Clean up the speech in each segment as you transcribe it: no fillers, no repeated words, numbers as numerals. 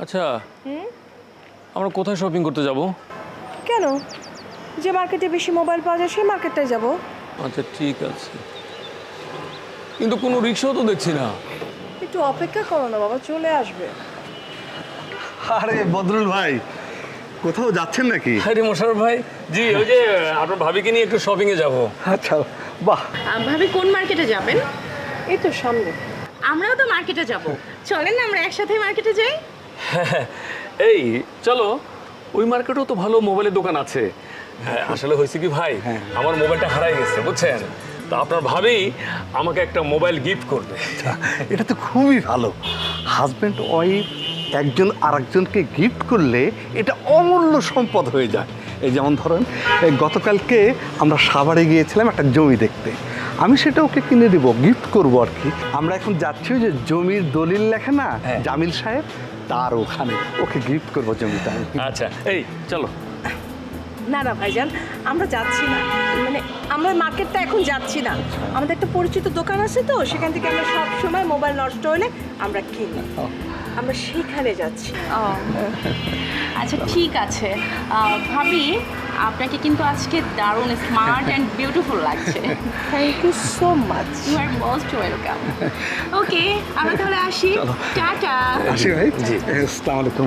আচ্ছা আমরা কোথায় শপিং করতে যাব? কেন? যে মার্কেটে বেশি মোবাইল পাওয়া যায় সেই মার্কেটটায় যাব। আচ্ছা ঠিক আছে, কিন্তু কোনো রিক্সাও তো দেখছি না। একটু অপেক্ষা করো না বাবা, চলে আসবে। আরে বদরুল ভাই, কোথাও যাচ্ছেন নাকি? আরে মোশাররফ ভাই, জি ওই যে আপনার ভাবিকে নিয়ে একটু শপিং এ যাব। আচ্ছা, বাহ। ভাবি কোন মার্কেটে যাবেন? এই তো সামনে। আমরাও তো মার্কেটে যাব, চলেন না আমরা একসাথে মার্কেটে যাই। এই চলো, ওই মার্কেটেও তো ভালো মোবাইলের দোকান আছে। আসলে হয়েছে কি ভাই, আমার মোবাইলটা হারাই গেছে বুঝছেন, তো আপনার ভাবি আমাকে একটা মোবাইল গিফট করবে। এটা তো খুবই ভালো। হাজব্যান্ড ওয়াইফ একজন আরেকজনকে গিফট করলে এটা অমূল্য সম্পদ হয়ে যায়। এই যেমন ধরেন, এই গতকালকে আমরা সাভারে গিয়েছিলাম একটা জমি দেখতে। আমি সেটা ওকে কিনে দেবো, গিফট করবো আর কি। আমরা এখন যাচ্ছি ওই যে জমির দলিল লেখা না, জামিল সাহেব, তার ওখানে ওকে গিফট করবো জমিটা। আচ্ছা এই চলো। না না ভাইজান, আমরা যাচ্ছি না, মানে আমরা মার্কেটটা এখন যাচ্ছি না। আমাদের একটা পরিচিত দোকান আছে তো, সেখান থেকে আমরা সব সময় মোবাইল নষ্ট হলে আমরা কিনি। আমরা সেইখানে যাচ্ছি। ও আচ্ছা ঠিক আছে। ভাবি আপনাকে কিন্তু আজকে দারুণ স্মার্ট অ্যান্ড বিউটিফুল লাগছে। Thank you so much. You are most welcome. Okay আমরা তাহলে আসি, টাটা। আসি ভাই। জি, আসসালামু আলাইকুম।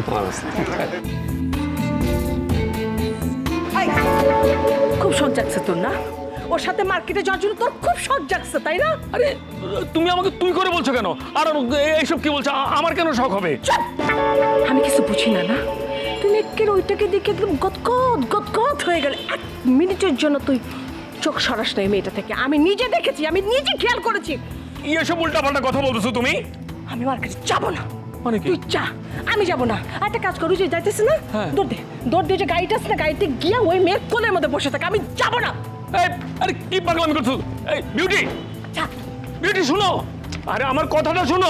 খুব শখ জাগছে তোর না? ওর সাথে মার্কেটে যাওয়ার জন্য তোর খুব শখ জাগছে, তাই না? আরে তুমি আমাকে তুই করে বলছো কেন? আর এইসব কি বলছো? আমার কেন শখ হবে? আমি কিছু বুঝি না না, তুমি একের ওইটাকে দেখে একদম গদগদ গদগদ হয়ে গেল। এক মিনিটের জন্য তুই চোখ সরাস না এই মেয়েটা থেকে। আমি নিজে দেখেছি, আমি নিজে খেয়াল করেছি। এসব উল্টাপাল্টা কথা বলতেছো তুমি। আমি মার্কেটে যাবো না। মানে কি? তুই যা, আমি যাবো না। আর একটা কাজ করু, যে যাইতেছে না, দৌড় দে যে গাড়িটা আছে না, গাড়িতে গিয়ে ওই মেয়ের কোলের মধ্যে বসে থাকে। আমি যাবো না। এই আরে কি পাগলামি করছো? এই বিউটি, যা। বিউটি শুনো, আরে আমার কথাটা শুনো।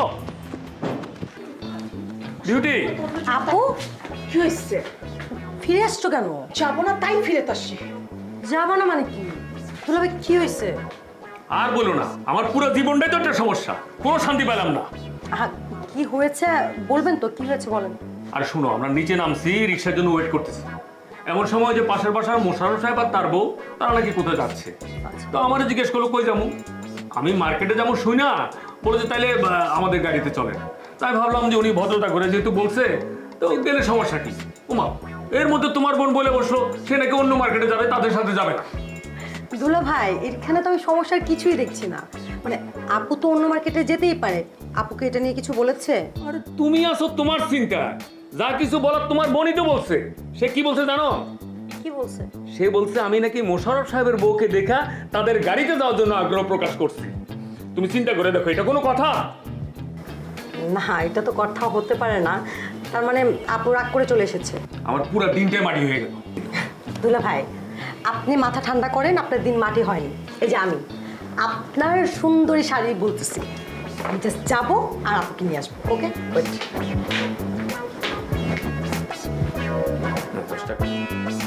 বিউটি, আপু কি হয়েছে? ফিরে আসছো কেন? যাবো না তাই ফিরে আসছি। যাবো না মানে কি? দুলাভাই কি হয়েছে? আর বলো না, আমার পুরো জীবনটাই তো একটা সমস্যা, কোনো শান্তি পেলাম না। কি হয়েছে বলবেন তো? কি হয়েছে বলেন। আর শুনো, আমরা নিচে নামছি, রিক্সার জন্য ওয়েট করতেছি। এমন সময় যে পাশের বাসার মোশাররফ সাহেব আর তার বউ, তারা নাকি কোথায় যাচ্ছে। তো আমার জিজ্ঞেস করলো কই যাবো। আমি মার্কেটে যাবো শুই না, বলে যে তাইলে আমাদের গাড়িতে চলে। তাই ভাবলাম যে উনি ভদ্রতা করে যেহেতু বলছে, তো গেলে সমস্যা কি। ওমা, এর মধ্যে তোমার বোন বলে বসলো সে নাকি অন্য মার্কেটে যাবে, তাদের সাথে যাবে না। দুলাভাই, এখানে তো আমি সমস্যার কিছুই দেখছি না। মানে আপু তো অন্য মার্কেটে যেতেই পারে। আপুকে এটা নিয়ে কিছু বলেছে? আরে তুমি আসো তোমার চিন্তা, যা কিছু বলার তোমার বোনই তো বলছে। সে কি বলছে জানো? কি বলছে? সে বলছে আমি নাকি মোশাররফ সাহেবের বউকে দেখা তাদের গাড়িতে যাওয়ার জন্য আগ্রহ প্রকাশ করছি। তুমি চিন্তা করে দেখো, এটা কোনো কথা? না, এটা তো কথা হতে পারে না। তার মানে আপু রাগ করে চলে এসেছে। আমার পুরো দিনটাই মাটি হয়ে গেল। দুলাভাই, আপনি মাথা ঠান্ডা করেন, আপনার দিন মাটি হয়নি। এই যে আমি আপনার সুন্দরী শাড়ি বলতেছি, আমি জাস্ট যাবো আর আপুকে নিয়ে আসবো। ওকে, ওয়েট। 10 টাকা।